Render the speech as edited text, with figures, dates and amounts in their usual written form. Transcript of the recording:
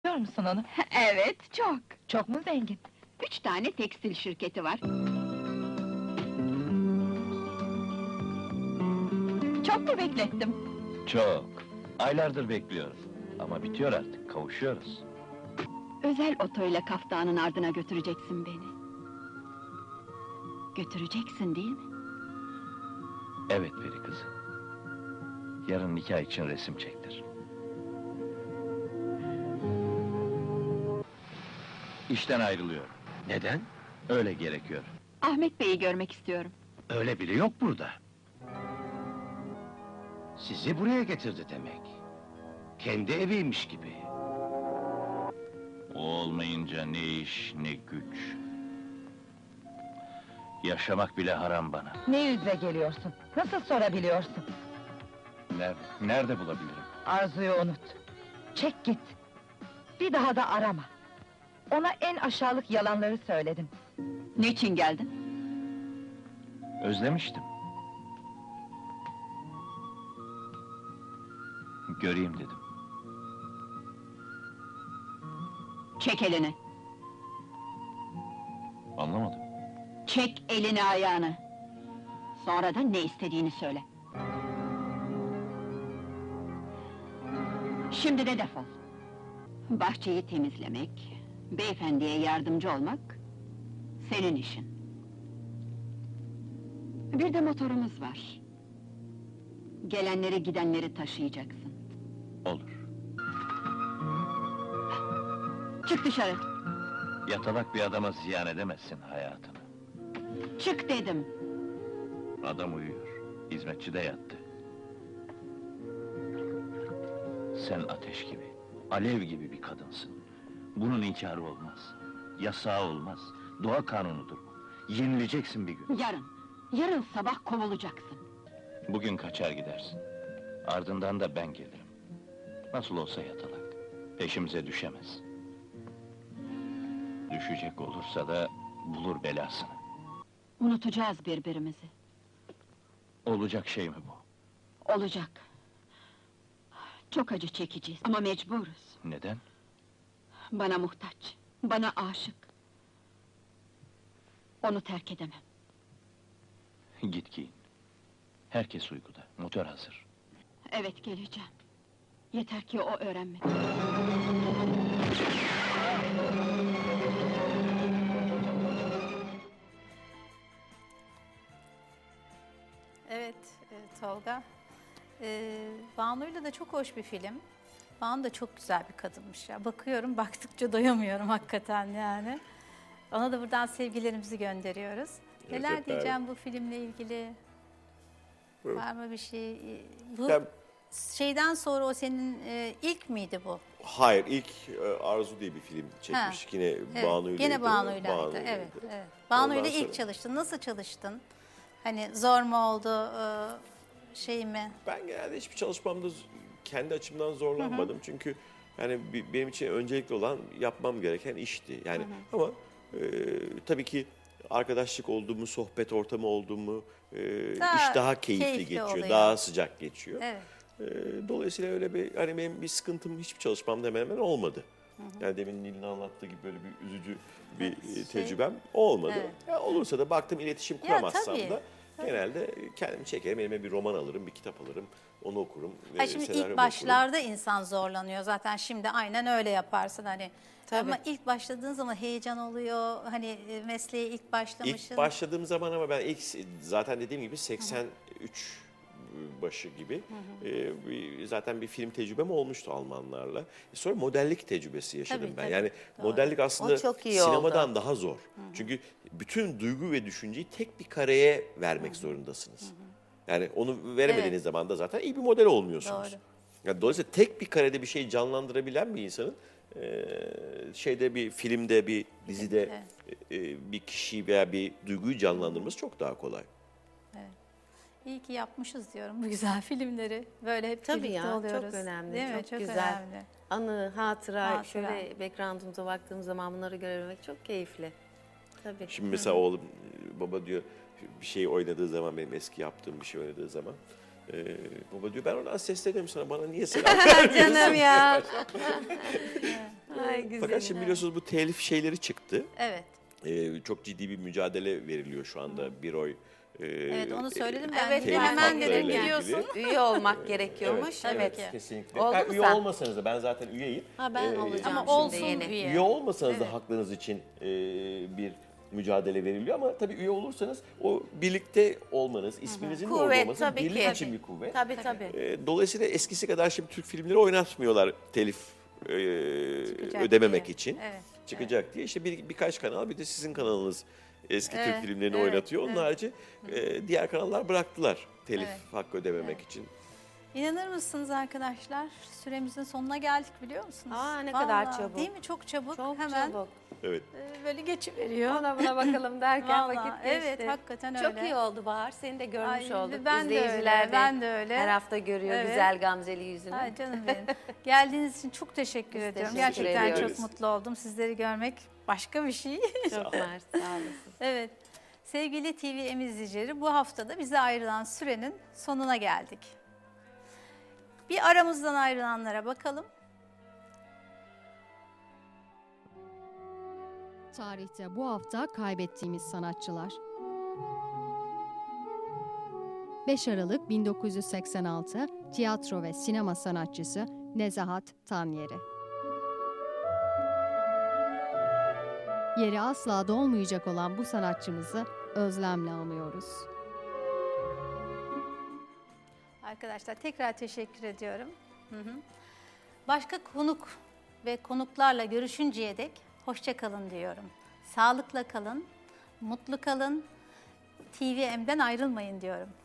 Biliyor musun onu? Evet, çok. Çok mu zengin? 3 tane tekstil şirketi var. Çok mu beklettim? Çok. Aylardır bekliyoruz. Ama bitiyor artık, kavuşuyoruz. Özel otoyla Kaftan'ın ardına götüreceksin beni. Götüreceksin değil mi? Evet peri kızı. Yarın nikah için resim çektir. İşten ayrılıyor. Neden? Öyle gerekiyor. Ahmet Bey'i görmek istiyorum. Öyle biri yok burada. Sizi buraya getirdi demek. Kendi eviymiş gibi. O olmayınca ne iş, ne güç. Yaşamak bile haram bana. Ne yüzle geliyorsun? Nasıl sorabiliyorsun? Nerede bulabilirim? Arzu'yu unut. Çek git. Bir daha da arama. Ona en aşağılık yalanları söyledim. Niçin geldin? Özlemiştim. Göreyim dedim. Çek elini. Anlamadım. Çek elini ayağını. Sonra da ne istediğini söyle. Şimdi de defol. Bahçeyi temizlemek, beyefendiye yardımcı olmak senin işin. Bir de motorumuz var. Gelenleri gidenleri taşıyacaksın. Olur. Çık dışarı. Yatalak bir adama ziyan edemezsin hayatını. Çık dedim. Adam uyuyor. Hizmetçi de yattı. Sen ateş gibi, alev gibi bir kadınsın. Bunun inkarı olmaz. Yasağı olmaz. Doğa kanunudur bu. Yenileceksin bir gün. Yarın sabah kovulacaksın. Bugün kaçar gidersin. Ardından da ben gelirim. Nasıl olsa yatalak. Peşimize düşemez. Düşecek olursa da bulur belasını. Unutacağız birbirimizi. Olacak şey mi bu? Olacak. Çok acı çekeceğiz ama mecburuz. Neden? Bana muhtaç, bana aşık. Onu terk edemem. Git giyin. Herkes uykuda, motor hazır. Evet, geleceğim. Yeter ki o öğrenmedi. Evet, Tolga. Banu'yla da çok hoş bir film. Banu da çok güzel bir kadınmış ya. Bakıyorum, baktıkça doyamıyorum hakikaten yani. Ona da buradan sevgilerimizi gönderiyoruz. Neler diyeceğim bu filmle ilgili? Var mı bir şey? Bu Ya, şeyden sonra o senin ilk miydi bu? hayır, ilk Arzu diye bir film çekmiş. Ha, Yine Evet, Banu'yla. Gene Banu'ylaydı. Banu'ylaydı. Evet, evet. Banu'yla Ondan ilk sonra- çalıştın. Nasıl çalıştın? Hani zor mu oldu, şey mi? Ben genelde hiçbir çalışmamda kendi açımdan zorlanmadım. Çünkü yani benim için öncelikli olan yapmam gereken işti. Yani ama tabii ki arkadaşlık oldu mu, sohbet ortamı oldu mu, iş daha keyifli keyifli geçiyor, oluyor. daha sıcak geçiyor. Evet. Dolayısıyla öyle bir hani benim bir sıkıntım hiçbir çalışmamda hemen hemen olmadı. Yani demin Nil'in anlattığı gibi böyle bir üzücü bir tecrübem olmadı. Evet. Ya olursa da baktım iletişim Ya, kuramazsam tabii, da genelde kendimi çekerim, elime bir roman alırım, bir kitap alırım, onu okurum. Ha şimdi senaryomu ilk okurum. başlarda insan zorlanıyor zaten, şimdi aynen öyle yaparsın hani. Ama ilk başladığın zaman heyecan oluyor, hani mesleğe ilk başlamışsın. İlk başladığım zaman ama ben zaten dediğim gibi 83 başı gibi zaten bir film tecrübem olmuştu Almanlarla. Sonra modellik tecrübesi yaşadım Tabii, ben. tabii, Yani doğru. modellik aslında O çok iyi sinemadan daha zor. Çünkü bütün duygu ve düşünceyi tek bir kareye vermek zorundasınız. Yani onu veremediğiniz Evet. zaman da zaten iyi bir model olmuyorsunuz. Doğru. Yani dolayısıyla tek bir karede bir şey canlandırabilen bir insanın şeyde bir filmde, bir dizide bir kişiyi veya bir duyguyu canlandırması çok daha kolay. İyi ki yapmışız diyorum bu güzel filmleri. Böyle hep Tabii birlikte ya, oluyoruz. çok önemli, Değil mi? çok Çok güzel. önemli. Anı, hatıra, Hatıra. şöyle background'umuza baktığım zaman bunları görebilmek çok keyifli. Tabii. Şimdi mesela oğlum baba diyor bir şey oynadığı zaman benim eski yaptığım bir şey oynadığı zaman baba diyor ben oradan sesleniyorum sana bana niye selam vermiyorsun? Canım ya. Ay güzel. Fakat şimdi biliyorsunuz bu telif şeyleri çıktı. Evet. Çok ciddi bir mücadele veriliyor şu anda bir oy. Evet, onu söyledim ben. Evet, Dedim, hemen dedim haklarıyla biliyorsun. ilgili. Üye olmak gerekiyormuş. Tabii Evet. ki. Kesinlikle. Oldu Yani mu üye sen? olmasanız da ben zaten üyeyim. Ha ben olacağım Ama şimdi olsun yeni. üye. Üye olmasanız Evet. da haklarınız için bir mücadele veriliyor ama tabii üye olursanız o birlikte olmanız, isminizin de orada Kuvvet olması tabii birlik ki. için bir kuvvet. Tabii. Dolayısıyla eskisi kadar şimdi Türk filmleri oynatmıyorlar telif Çıkacak ödememek diye. için. Evet. Çıkacak diye işte birkaç kanal bir de sizin kanalınız eski Evet, Türk filmlerini evet, oynatıyor. Onun evet. harici diğer kanallar bıraktılar telif Evet. hakkı ödememek için. İnanır mısınız arkadaşlar? Süremizin sonuna geldik biliyor musunuz? Aa, ne kadar çabuk. Değil mi? Çok çabuk. Çok Hemen çabuk. Evet. böyle geçiveriyor. Ona buna bakalım derken Vallahi, vakit geçti. evet, hakikaten Çok öyle. iyi oldu Bahar. Seni de görmüş Ay, olduk. ben de İzleyiciler öyle, ben de öyle. Her hafta görüyor Evet. güzel gamzeli yüzünü. Ay canım benim. Geldiğiniz için çok teşekkür Biz ediyorum. teşekkür Gerçekten ediyoruz. çok mutlu oldum. Sizleri görmek başka bir şey. Çok mersi, sağ olasın. Evet. Sevgili TVM izleyicileri, bu haftada bize ayrılan sürenin sonuna geldik. Bir aramızdan ayrılanlara bakalım. Tarihte bu hafta kaybettiğimiz sanatçılar. 5 Aralık 1986 tiyatro ve sinema sanatçısı Nezahat Tanyeri. Yeri asla dolmayacak olan bu sanatçımızı özlemle anıyoruz. Arkadaşlar tekrar teşekkür ediyorum. Başka konuk ve konuklarla görüşünceye dek hoşça kalın diyorum. Sağlıkla kalın, mutlu kalın, TVM'den ayrılmayın diyorum.